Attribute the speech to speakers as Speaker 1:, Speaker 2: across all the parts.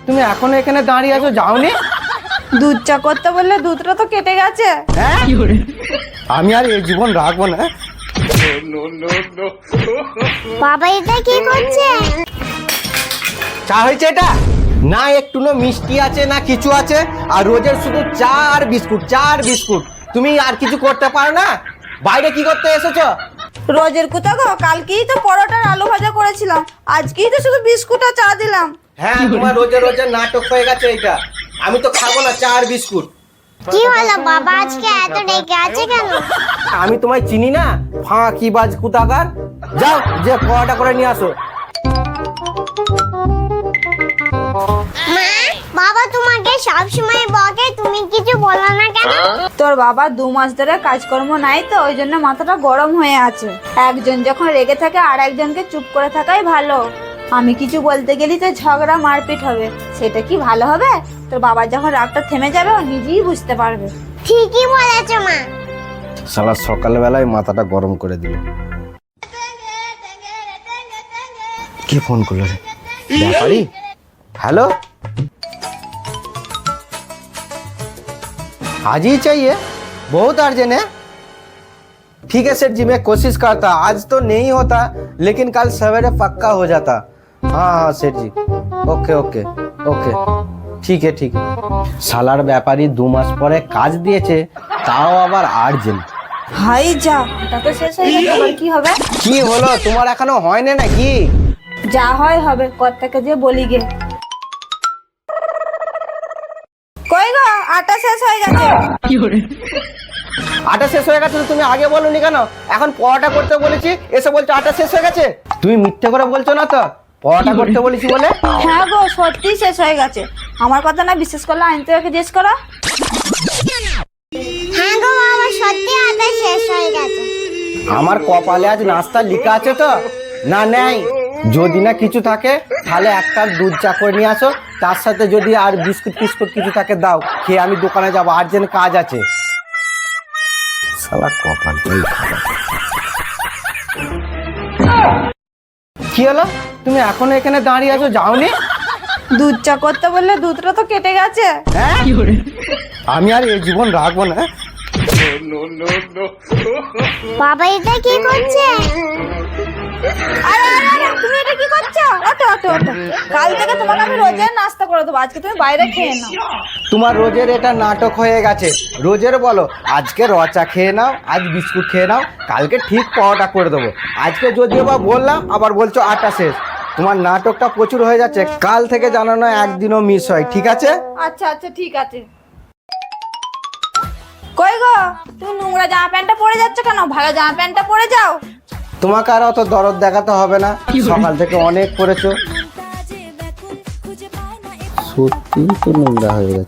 Speaker 1: তুমি এখনো এখানে দাঁড়িয়ে আছো, যাওনি?
Speaker 2: দুধ চা করতে বললে দুধটা তো কেটে গেছে।
Speaker 1: হ্যাঁ, আমি আর এই জীবন রাখবো না।
Speaker 3: বাবা এটা কি করছে?
Speaker 1: চা হয়েছে এটা? না একটু না মিষ্টি আছে না কিছু আছে, আর রোজের শুধু চা আর বিস্কুট, চা আর বিস্কুট। তুমি আর কিছু করতে পারো না? বাইরে কি করতে এসেছো?
Speaker 2: রোজের কোথা গো, কালকেই তো পরোটার আলু ভাজা করেছিলাম, আজকেই তো শুধু বিস্কুট আর চা দিলাম।
Speaker 1: হ্যাঁ, তোমার রোজের রোজের নাটক হয়ে গেছে এটা। আমি তো খাবো না চা আর বিস্কুট।
Speaker 3: কি হলো বাবা, আজকে এত রেগে আছে কেন?
Speaker 1: আমি তোমায় চিনি না, ফাঁকি বাজ কুতাকার। যাও যে পরোটা করে নিয়ে আসো।
Speaker 3: মা, বাবা তোমাকে সবসময় বকে, তুমি কিছু বলো না কেন?
Speaker 2: তোর বাবা 2 মাস ধরে কাজকর্ম নাই তো, ওই জন্য মাথাটা গরম হয়ে আছে। একজন যখন রেগে থাকে আর একজনকে চুপ করে থাকাই ভালো। আমি কিছু বলতে গেলি তো ঝগড়া মারপিট হবে, সেটা কি ভালো হবে? তোর বাবার যখন রাগটা থেমে যাবে ও নিজেই বুঝতে পারবে।
Speaker 3: ঠিকই বলেছো মা।
Speaker 1: সালা সকালবেলায় মাথাটা গরম করে দিল। কে ফোন করলো রে? ব্যাপারি? हेलो, आज ही चाहिए? बहुत अर्जेंट है। ठीक है सेठ जी, मैं कोशिश करता। आज तो नहीं होता, लेकिन कल सवेरे पक्का हो जाता। हाँ हाँ सेठ जी, ओके ओके ओके, ठीक है ठीक है। सालार ব্যাপারী 2 মাস পরে কাজ দিয়েছে, তাও আবার আর্জেন্ট।
Speaker 2: হাই যা, এটা তো শেষ হয়ে গেল, এবার কি হবে?
Speaker 1: কি হলো, তোমার এখনো হয় না নাকি?
Speaker 2: যা হয় হবে, কর্তাকে যে বলি গে। কই গো, আটা শেষ হয়ে গেছে।
Speaker 1: আটা শেষ হয়ে গেছে তো তুমি আগে বলোনি কেন? এখন পরোটা করতে বলেছি, এসে বলছো আটা শেষ হয়ে গেছে। তুমি মিথ্যে করে বলছো না তো? পরোটা করতে বলেছি বলে।
Speaker 2: হ্যাঁ গো, সত্যি শেষ হয়ে গেছে। আমার কথা না বিশ্বাস করলে আনতে ওকে জিজ্ঞেস করো।
Speaker 3: হ্যাঁ গো বাবা, সত্যি আটা শেষ হয়ে গেছে।
Speaker 1: আমার কপালে আজ নাস্তা লেখা আছে তো? না নেই, যদি না কিছু থাকে তাহলে 1 কাপ দুধ চা করে নিয়ে আসো, তার সাথে যদি আর বিস্কুট ফিস্কুট কিছু থাকে দাও, খেয়ে আমি দোকানে যাবো, আর্জেন্ট কাজ আছে। শালা কপালটাই খারাপ। কি হলো, তুমি এখনো এখানে দাঁড়িয়ে আছো, যাওনি?
Speaker 2: দুধ চা করতে বললে দুধটা তো কেটে গেছে।
Speaker 1: হ্যাঁ, আমি আর এই জীবন রাখবো না।
Speaker 3: বাবা এটা কি করছে?
Speaker 2: আরে আরে আরে, তুমি এটা কি করছো? ওঠো ওঠো ওঠো, কাল থেকে তোমাকে আমি রোজের নাস্তা করে দেবো, আজকে তুমি বাইরে খেয়ে নাও।
Speaker 1: তোমার রোজের এটা নাটক হয়ে গেছে। রোজের বলো আজকে রচা খেয়ে নাও, আজ বিস্কুট খেয়ে নাও, কালকে ঠিক পরোটা করে দেবো। আজকে যদিও বা বললাম, আবার বলছো আটা শেষ। তোমার নাটকটা প্রচুর হয়ে যাচ্ছে, কাল থেকে জানানো একদিনও মিস হয়, ঠিক আছে?
Speaker 2: আচ্ছা আচ্ছা ঠিক আছে। কই গো, তুমি নোংরা জামা প্যান্টটা পরে যাচ্ছ কেন? ভালো জামা প্যান্টটা পরে যাও।
Speaker 1: তোমাকে আর অত দরদ দেখাতে হবে না, সকাল থেকে অনেক করেছো। সত্যি তো নোংরা হয়ে গেছে,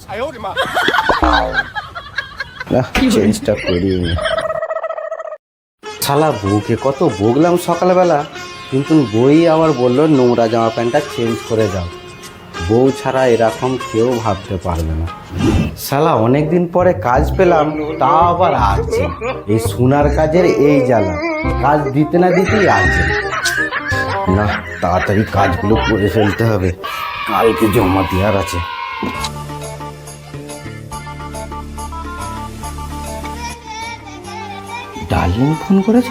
Speaker 1: চেঞ্জটা করি। শালা বউকে কত বকলাম সকালবেলা, কিন্তু বই আবার বললো নোংরা জামা প্যান্টটা চেঞ্জ করে যাও। বউ ছাড়া এরকম কেউ ভাবতে পারবে না। শালা অনেকদিন পরে কাজ পেলাম, তা আবার আছে এই সোনার কাজের এই জ্বালা, কাজ দিতে না দিতেই আছে না। তাড়াতাড়ি কাজগুলো করে ফেলতে হবে, কালকে জমা দেওয়ার আছে। ডার্লিং ফোন করেছে।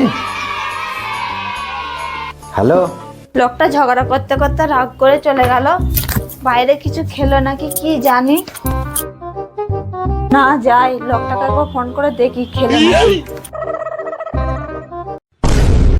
Speaker 1: হ্যালো।
Speaker 2: লোকটা ঝগড়া করতে করতে রাগ করে চলে গেল। বাইরে কিছু খেলো নাকি কি জানি। না যাই, লোকটাকে একবার ফোন করে দেখি খেলো নাকি।